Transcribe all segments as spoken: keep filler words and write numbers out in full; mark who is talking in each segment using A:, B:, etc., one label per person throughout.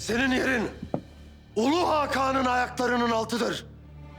A: Senin yerin Ulu Hakan'ın ayaklarının altıdır.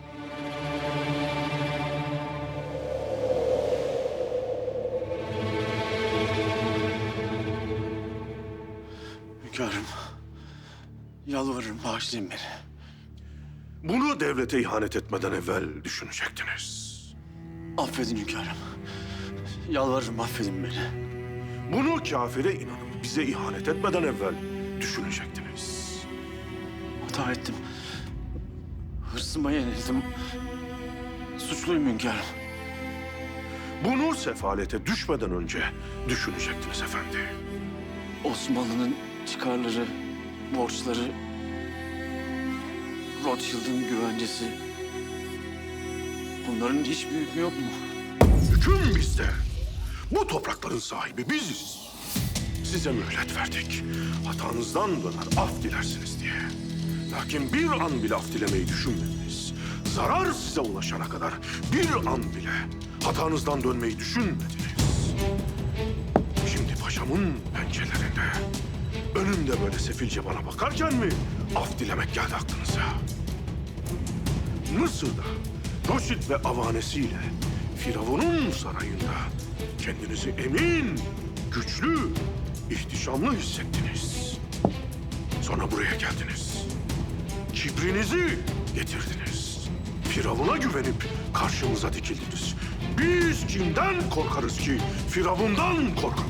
B: Hünkârım, yalvarırım bağışlayın beni.
A: Bunu devlete ihanet etmeden evvel düşünecektiniz.
B: Affedin hünkârım. Yalvarırım affedin beni.
A: Bunu kafire inanıp bize ihanet etmeden evvel düşünecektiniz.
B: Hata ettim. Hırsıma yenildim. Suçluyum hünkârım.
A: Bunu sefalete düşmeden önce düşünecektiniz efendi.
B: Osmanlı'nın çıkarları, borçları, Rothschild'in güvencesi... Bunların hiçbir hükmü yok mu?
A: Hüküm bizde. Bu toprakların sahibi biziz. Size mühlet verdik. Hatanızdan döner af dilersiniz diye. Lakin bir an bile af dilemeyi düşünmediniz. Zarar size ulaşana kadar bir an bile hatanızdan dönmeyi düşünmediniz. Şimdi paşamın pençelerinde, önümde böyle sefilce bana bakarken mi af dilemek geldi aklınıza? Mısır'da Rothschild ve avanesiyle Firavun'un sarayında kendinizi emin, güçlü, ihtişamlı hissettiniz. Sonra buraya geldiniz. Kibrinizi getirdiniz. Firavun'a güvenip karşımıza dikildiniz. Biz kimden korkarız ki Firavun'dan korkalım?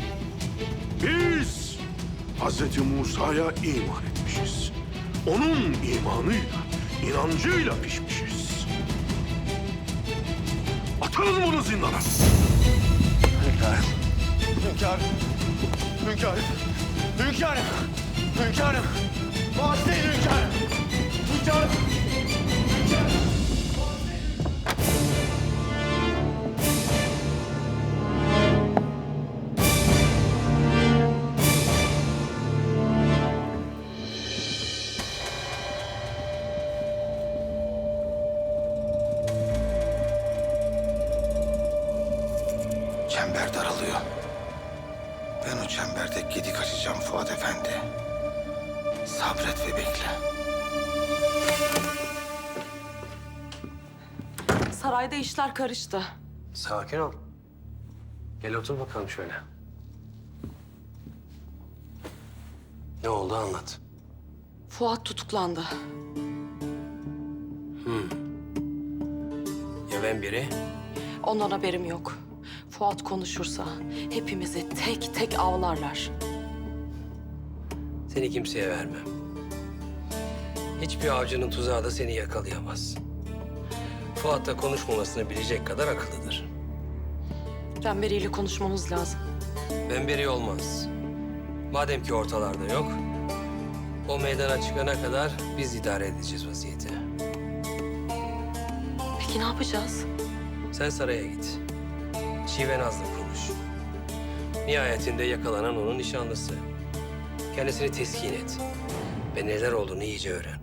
A: Biz Hazreti Musa'ya iman etmişiz. Onun imanıyla, inancıyla pişmişiz. Atın bunu zindana.
B: Hünkârım. Hünkârım. Hünkârım. Hünkârım. Hünkârım. Bağışlayın hünkârım. Hünkârım. Hünkârım.
C: Çember daralıyor. Ben o çemberde gedik açacağım Fuat Efendi. Sabret ve bekle.
D: Sarayda işler karıştı.
E: Sakin ol. Gel otur bakalım şöyle. Ne oldu anlat.
D: Fuat tutuklandı.
E: Ya ben biri?
D: Ondan haberim yok. Fuat konuşursa hepimizi tek tek avlarlar.
E: Seni kimseye vermem. Hiçbir avcının tuzağı da seni yakalayamaz. Fuat da konuşmamasını bilecek kadar akıllıdır.
D: Ben biriyle konuşmamız lazım.
E: Ben biri olmaz. Madem ki ortalarda yok, o meydana çıkana kadar biz idare edeceğiz vaziyeti.
D: Peki ne yapacağız?
E: Sen saraya git. Şivenaz'la konuş. Nihayetinde yakalanan onun nişanlısı. Kendisini teskin et. Ve neler olduğunu iyice öğren.